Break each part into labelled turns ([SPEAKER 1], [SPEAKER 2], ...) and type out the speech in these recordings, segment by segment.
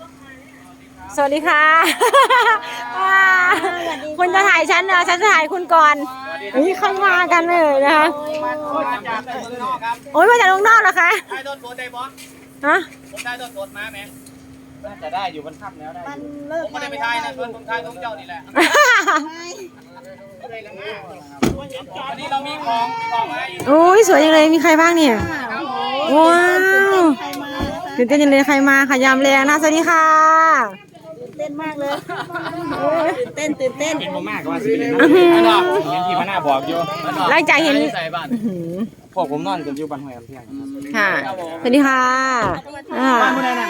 [SPEAKER 1] สวัสดีค่ะคุณจะถ่ายฉันเหรอฉันจะถ่ายคุณก่อนนี่เข้ามากันเลยนะคะโอ้ยมาจากเมืองนอกเหรอคะ
[SPEAKER 2] ได้ต้นโพได้บอส
[SPEAKER 1] ฮะ
[SPEAKER 2] ผมได้ต้นโพมาไหมน่าจะได้อยู่มันค่ำแล้วได้ผมไม่ได้ไปทายนะชวนผมทายต้องเจ้านี่แหละวันนี้เรามีของมาให้
[SPEAKER 1] โอ้ยสวยจังเลยมีใครบ้างเนี่ยว้าวตื่นเต้นจังเลยใครมาค่ะยามแรงนะสวัสดีค่ะ
[SPEAKER 3] เต้นมากเลยตื่นเต้น
[SPEAKER 2] เห็นผมมากกว่าสิเลยนะเห็นที่มันน่าบอกอยู่
[SPEAKER 1] หลังจากเห็น
[SPEAKER 2] พวกผมนอนกันอยู่บ้านห้วยเพียง
[SPEAKER 1] ค่ะสวัสดีค่ะ
[SPEAKER 2] บ้านผู้ใดนั่น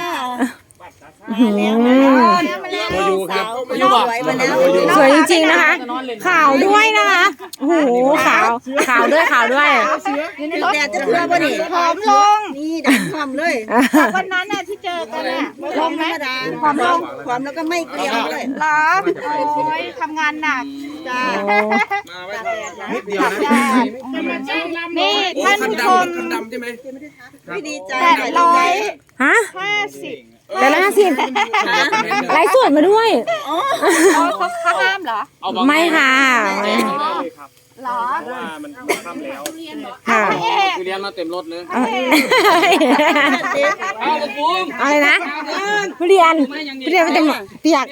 [SPEAKER 2] โมยูครับโมยูบอก
[SPEAKER 1] สวยจริงๆนะคะขาวด้วยนะคะโอ้โหขาวด้วย
[SPEAKER 3] แดดจะเพื่อบ่นี่ผอมลงนี่แดดผอมเลยวันนั้นน่ะที่เจอกันน่ะลงไหมผอมแล้วก็ไม่เกลียมเลย
[SPEAKER 4] หรอโอ้ยทำงานหนัก
[SPEAKER 3] จ้า
[SPEAKER 2] นิดเดียว
[SPEAKER 4] นี่ท่านผู้ชม
[SPEAKER 3] ไม่ดีใจ
[SPEAKER 1] ฮะ
[SPEAKER 4] 50
[SPEAKER 1] แต่ละ50ไลฟ์สดมาด้วย
[SPEAKER 4] เขาห้ามเหรอ
[SPEAKER 1] ไม่ค่ะ
[SPEAKER 4] หรอ
[SPEAKER 2] ว่ามันค่ำแล้ว
[SPEAKER 1] ค่ะ
[SPEAKER 2] เรียนมาเต็มรถเลย
[SPEAKER 1] อะไรนะทุเรียนมันเต็มเปียก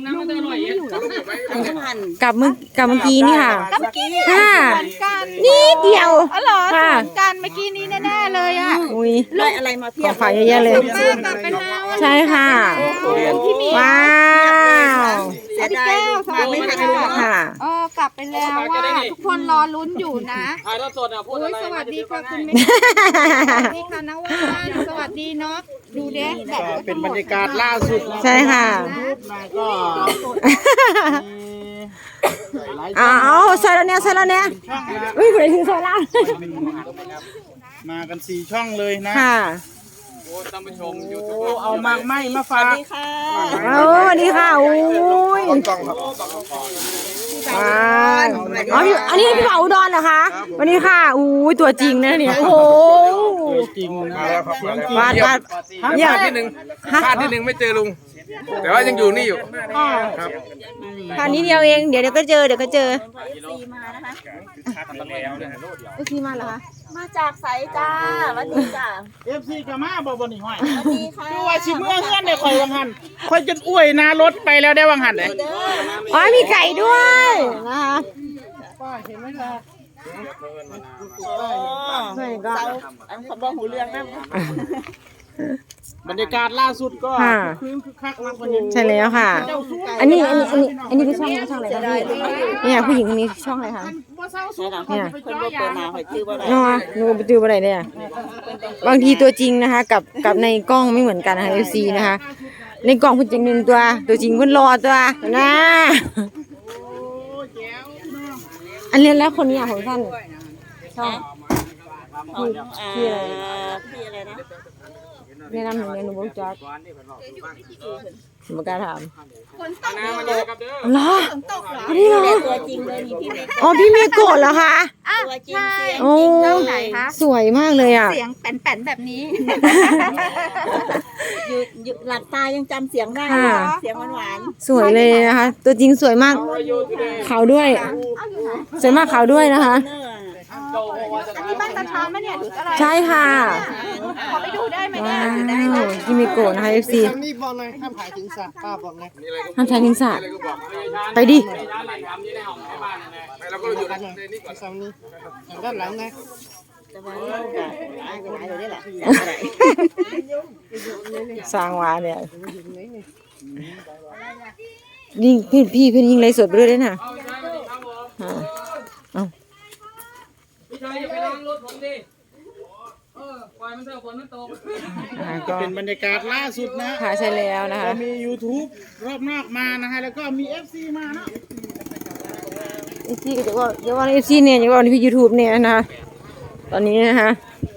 [SPEAKER 1] กับเมื่อกี้นี่ค่ะนี่เดียว
[SPEAKER 4] อ๋อเหรอเหมือนกันเมื่อกี้นี้แน่ๆเลยอ่ะ
[SPEAKER 1] อุ้ย
[SPEAKER 3] ได้อะไรมาเพียบ
[SPEAKER 1] ฝากเยอะๆเลยใช่ค่ะว้าว
[SPEAKER 3] เสียดายมาไม่ทัน
[SPEAKER 1] ค่ะ
[SPEAKER 4] กลับไปแล้วว่าทุกคนรอลุ้นอยู่นะ
[SPEAKER 2] ถ่ายทอดสดอ่ะพูดอะไร
[SPEAKER 4] สวัสดีค่ะคุณแม่สวัสดีค่ะน้องวานสวัสดีเนาะดูเด้
[SPEAKER 2] เป็นบรรยากาศล่าสุด
[SPEAKER 1] ใช่ค่ะ
[SPEAKER 2] ก็
[SPEAKER 1] เอาใส่แล้วเนี่ยวิ่งไปถึงโซล่า
[SPEAKER 2] มากัน4 ช่องเลยนะ
[SPEAKER 1] ค่ะ
[SPEAKER 2] โอ้ท่านผู้ชมยูทูบเอามากไม่มาฝาก
[SPEAKER 3] สวัสดีค่ะ
[SPEAKER 1] สวัสดีค่ะอุ้ยอันนี้พี่เผาอุดรเหรอคะวันนี้ค่ะอุ้ยตัวจริงนะเนี่ยโอ้โห
[SPEAKER 2] จริงมาแล้วครับ
[SPEAKER 1] วาด
[SPEAKER 2] พลาดที่หนึ่งไม่เจอลุงแต่ว่ายังอยู่นี่อยู่ครับ
[SPEAKER 1] คราวนี้เดียวเองเดี๋ยวก็เจอซีมาเหรอคะ
[SPEAKER 3] มาจากไสจ้าวันนี้จ้า
[SPEAKER 2] FC กับมาบ่นี่ห้อย
[SPEAKER 3] วันนี้ค่ะ
[SPEAKER 2] ดูว่าสิเมื่อเฮือนได้ข่อยวังหันข่อยจนอ้วยนารถไปแล้วได้วังหันเลย
[SPEAKER 1] อ๋อมีไก่ด้วยนะคะ
[SPEAKER 3] ป้าเห็นไหมล่ะใช่ก็อันเขาบอกหูเรื่องนะ
[SPEAKER 2] บรรยากาศล่าสุดก็คึกคักมากกว่านี้
[SPEAKER 1] ใช่แล้วค่ะอันนี้คือช่องอะไรคะพี่เนี่ยผู้หญิงคนนี้ช่องอะไรคะ
[SPEAKER 3] เนี่ยคนบ่เปิดหน้าหอยจื้อบ่ได้
[SPEAKER 1] หนูไปจื้อบ่ได้เนี่ยบางทีตัวจริงนะคะกับในกล้องไม่เหมือนกันนะคะ FC นะคะในกล้องคุณจริง1ตัวจริงคุณรอตัวนะอันเรียนแล้วคนนี้ของท่านช่อง
[SPEAKER 3] พี่อะไรนะ
[SPEAKER 1] แนะนำหนูเนี่ยหนูบอกจักบอกการถามเหรออันนี้เหรอ
[SPEAKER 3] ตัวจริงเลยนี่พี่เมย์
[SPEAKER 1] อ๋อพี่เมย์โกรธเหรอคะ
[SPEAKER 3] ตัวจริงเสียง
[SPEAKER 1] โอ้สวยมากเลยอ่ะ
[SPEAKER 4] เสียงแป่นๆแบบนี้
[SPEAKER 3] อยู่หลับตายังจำเสียงได้เสียงหวาน
[SPEAKER 1] สวยเลยนะคะตัวจริงสวยมากขาวด้วยสวยมากขาวด้วยนะคะ
[SPEAKER 4] อันนี้บ้านตาช้างไหมเนี่ยหรืออะไร
[SPEAKER 1] ใช่ค่ะ
[SPEAKER 4] ขอไปดูได้ไหมเนี่ย
[SPEAKER 1] พี่เมย์โกรธนะคะ FC
[SPEAKER 2] นี่บอกเลยห้ามถ่ายถึงสระป้าบอกเลย
[SPEAKER 1] ห้ามถ่ายถึงสระไปดิ
[SPEAKER 2] เราก็อยู่นี่ก่อนซ้ำนี่ด้านหลังนะ
[SPEAKER 1] สร้างวาเนี่ยยิงพี่เพื่อนยิงไรสดไปด้วยได้น่ะเอา
[SPEAKER 2] เป็นบรรยากาศล่าสุดนะ
[SPEAKER 1] ค่ะใช่แล้วนะคะ
[SPEAKER 2] มี YouTube รอบนอกมานะฮะแล้วก็มี FC มานะ
[SPEAKER 1] FC ก็จะว่าFC เนี่ยจะว่าที่ YouTube เนี่ยนะตอนนี้นะคะ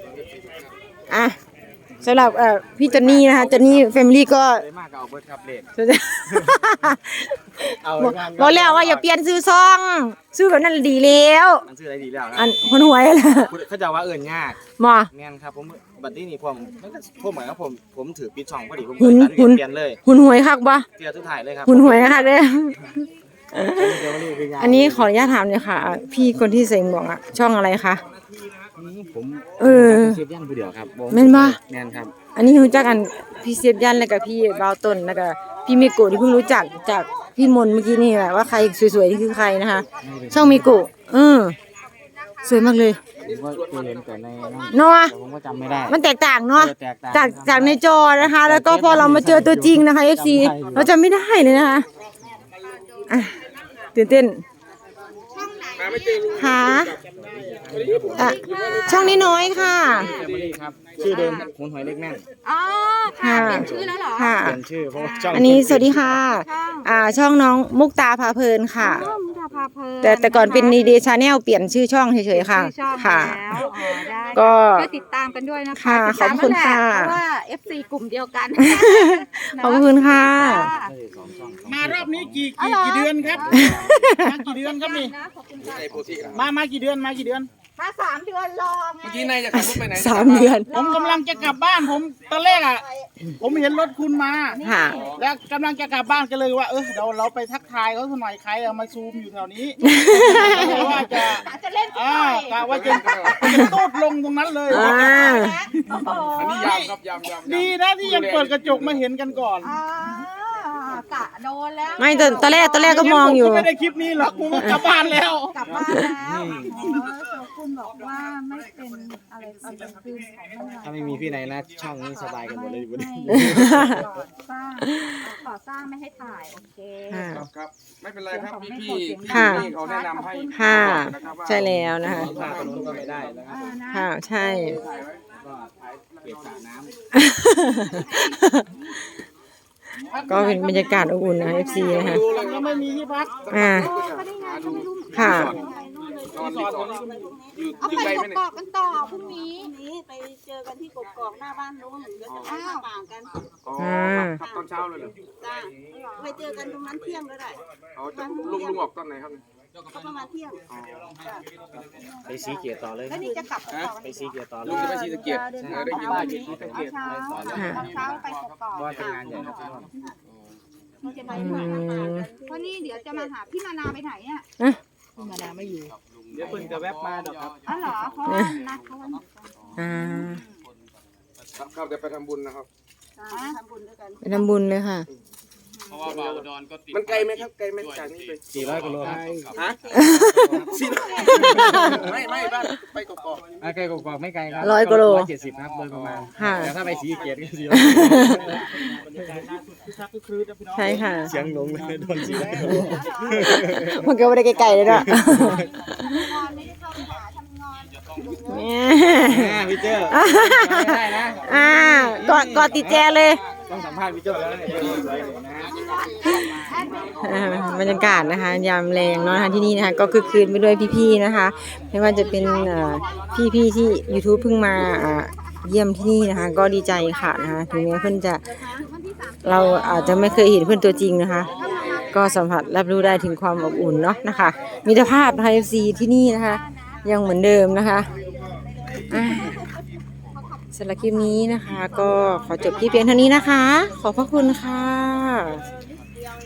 [SPEAKER 1] สำหรับพี่จอนนี่นะคะจอนนี่แฟมิลี่ก็บอกแล้วว่าอย่าเปลี่ยนซื้อซองซื้อแบบนั้นดีแล้ว
[SPEAKER 2] ซื้ออะไรดีแล้ว
[SPEAKER 1] อันคนหวยล่ะ
[SPEAKER 2] เขาจะว่าเอิญยาก
[SPEAKER 1] มา
[SPEAKER 2] แม่นครับผมบัดนี้นี่ผมมันก็พวกเหมือนกับผมถือปิดช่องพอดีผม
[SPEAKER 1] หุ่น
[SPEAKER 2] ตัดเปลี่ยนเลย
[SPEAKER 1] หุ่นหวยคักบ่
[SPEAKER 2] เปลี่ยนทุกถ่ายเลยครับ
[SPEAKER 1] หุ่นหวยคักเด้ออันนี้ขออนุญาตถามเลยค่ะ พี่คนที่เซ็งบอกอะช่องอะไรคะ
[SPEAKER 2] ผม
[SPEAKER 1] เออ
[SPEAKER 2] เสียบยันผู้เดียวครับ
[SPEAKER 1] แม่นบ่
[SPEAKER 2] แม่นครับ
[SPEAKER 1] อันนี้รู้จักกันพี่เสียบยันแล้วก็พี่บาวต้นแล้วก็พี่มิโกะที่เพิ่งรู้จักจากพี่มนต์เมื่อกี้นี่แหละว่าใครสวยๆนี่คือใครนะคะ ช่องมิโกะสวยมากเลย
[SPEAKER 2] ผมก็เคยเห็นแต่ในนั้น
[SPEAKER 1] เนาะ
[SPEAKER 2] แต่ผมก็จำไม่ได้
[SPEAKER 1] มันแตกต่างเนาะ
[SPEAKER 2] แตกต่าง
[SPEAKER 1] จากในจอนะคะ แล้วก็พอเรามาเจอตัวจริงนะคะ FC เราจะไม่ได้เลยนะคะอ่ะตื่นเต้นค่ะช่องนี้น้อยค่ะ
[SPEAKER 2] ครับชื่อเดิมหุนหอยเล็กแม่น
[SPEAKER 4] อ๋อค่ะเปลี่ยนชื่อแล้วเหรอ
[SPEAKER 1] ค่ะ
[SPEAKER 2] เปลี่ยนชื่อเพราะว่าช่อง
[SPEAKER 1] อันนี้สวัสดีค่ะ ช่องน้องมุกตาพาเพลินค่ะ
[SPEAKER 4] อ๋อมุกดาพาเพลิน
[SPEAKER 1] แต่ก่อนเป็นนีเดชาแนลเปลี่ยนชื่อช่องเฉยๆค่ะ
[SPEAKER 4] ชื่อช่อง
[SPEAKER 1] ค่ะ
[SPEAKER 4] แล้วอ๋อได้
[SPEAKER 1] ก็
[SPEAKER 4] ก็ติดตามกันด้วยนะคะ
[SPEAKER 1] ค่ะ
[SPEAKER 4] ติดตาม
[SPEAKER 1] ขอบคุณ
[SPEAKER 4] นั่นแหล
[SPEAKER 1] ค่ะ
[SPEAKER 4] เพราะว่า FC กลุ่มเดียวกัน
[SPEAKER 1] ขอบคุณค่ะ
[SPEAKER 5] มารอบนี้กี่เดือนครับมากี่เดือนครับนี่มากี่เดือนมากี่เดือน
[SPEAKER 4] มา3 เดือนรอไง
[SPEAKER 1] 3 เดือน
[SPEAKER 5] ผมกำลังจะกลับบ้านผมตอนแรกผมเห็นรถคุณมา
[SPEAKER 1] ค่ะ
[SPEAKER 5] แล้วกำลังจะกลับบ้านก็เลยว่าเดี๋ยวเราไปทักทายเขาสักหน่อยใครเอามาซูมอยู่แถวนี้ว่าจะ
[SPEAKER 4] จะเล่นสักหน่อย
[SPEAKER 5] กะว่าจะตูดลงตรงนั้นเลย
[SPEAKER 4] โอ้โห
[SPEAKER 5] ดีนะที่ยังเปิดกระจกมาเห็นกันก่อน
[SPEAKER 4] กะโดนแล้ว
[SPEAKER 1] ไม่ตอนแรกก็มองอยู่
[SPEAKER 5] ผมไม่ได้คลิปนี้หรอกผมก็กลับบ้านแล้ว
[SPEAKER 4] กลับบ้านแล้วคุณบอกว่าไม่เป็นอะไรตอนกลางคืนของมัน
[SPEAKER 2] ถ้าไม่มีพี่ไหนนะช่องนี้สบายกันหมดเลยวันนี้
[SPEAKER 4] ก่อสร้างไม่ให้ถ่ายโอเค
[SPEAKER 6] ครับไม่เป็นไรครับพี่
[SPEAKER 1] ค่ะ
[SPEAKER 6] เขาแนะนำให้
[SPEAKER 1] ค่ะ ใช่แล้วนะคะ
[SPEAKER 2] พาตรงนู้นก็ไม่ได้แล้วครับ
[SPEAKER 1] ค่ะ ใช่
[SPEAKER 2] ก็เก็บสระน้ำ
[SPEAKER 1] ก็เป็นบรรยากาศอบอุ่นนะ FC นะคะ
[SPEAKER 5] ก็ไม่มีที่พัก
[SPEAKER 1] ค่ะ
[SPEAKER 6] นอนรีสอร์ทอยู่
[SPEAKER 4] เอา
[SPEAKER 6] อยู่
[SPEAKER 4] ไป
[SPEAKER 6] ไกลไหม
[SPEAKER 4] ก
[SPEAKER 6] เนี่ย
[SPEAKER 4] อกกันต่อพรุ่งนี้
[SPEAKER 3] นี้ไปเจอกันที่กกอกหน้าบ้านนู้นเดี๋ยวจะไปข้าวป่างกัน
[SPEAKER 6] อ๋อครับตอนเช้าเลยเหรอ
[SPEAKER 3] จ้าไปเจอกันตรงนั้นเที่ยงก็ได้
[SPEAKER 6] อ๋อจะลุงออกตอนไหนครับ
[SPEAKER 3] ก็ประมาณเที่ยง
[SPEAKER 2] ไปสีเกียร์ต่อเลย
[SPEAKER 4] แล้วนี่จะกลับต่อ
[SPEAKER 2] ไปสีเกียร์ต่อเล
[SPEAKER 6] ลุง
[SPEAKER 2] ย
[SPEAKER 6] จะไปชีสะเกียรติได้ยินได้ยินชีสะเกียรติ
[SPEAKER 4] เช้าตอนเช้าไปกอก
[SPEAKER 2] ว่าเป็นงานใหญ่ครับพี่น้อง
[SPEAKER 3] เราจะไปข้าวป่างกัน
[SPEAKER 4] เพราะนี่เดี๋ยวจะมาหาพี่นานาไปไหนอ่ะ
[SPEAKER 5] เดี๋ยวเพิ่งจะแวบมาดอกครับ
[SPEAKER 4] อ๋อเหรอเพราะว่านัดเขาวันไหนกัน
[SPEAKER 6] ครับเดี๋ยวไปทำบุญนะครับ
[SPEAKER 3] ทำบุญด้วยกัน
[SPEAKER 1] ไปทำบุญเลยค่ะ
[SPEAKER 2] เพราะว่าบาวดอนก็ติด
[SPEAKER 6] มันไกลไหมครับไกลไหมจากนี้ไป
[SPEAKER 2] 400กิโลครับ
[SPEAKER 6] ฮะไม่บ้านไปกอก
[SPEAKER 2] ไกลกว่าไม่ไกลครับ
[SPEAKER 1] 100กิโล
[SPEAKER 2] 170ครับโดยประมาณ
[SPEAKER 1] ค่ะ
[SPEAKER 2] แต่ถ้าไปสีเกียรติก็400
[SPEAKER 1] ใช่ค่ะ
[SPEAKER 2] เสียงลงเลยโดนสีแล้ว
[SPEAKER 1] มันก็ไม่ได้ไกลๆเลยเนาะ
[SPEAKER 4] งอนไม่ได้เข้าไปหาทำงอน
[SPEAKER 2] พี่เจ้าไม่ได้นะ
[SPEAKER 1] กอดติดแจเลย
[SPEAKER 2] ต้องสัมภาษณ์พี่เจ้าแล้วเนี่ยสวยๆนะ
[SPEAKER 1] บรรยากาศนะคะ ยามแรงเนาะนะคะที่นี่นะคะก็คือคืนไปด้วยพี่ๆนะคะ ไม่ว่าจะเป็นพี่ๆที่ YouTube เพิ่งมาเยี่ยมที่นี่นะคะ ก็ดีใจค่ะนะคะถึงแม้เพื่อนจะเราอาจจะไม่เคยเห็นเพื่อนตัวจริงนะคะ ก็สัมผัสรับรู้ได้ถึงความอบอุ่นเนาะนะคะมิตรภาพนะคะ FC ที่นี่นะคะ ยังเหมือนเดิมนะคะสำหรับคลิปนี้นะคะ ก็ขอจบที่เพียงเท่านี้นะคะ ขอบพระคุณค่ะ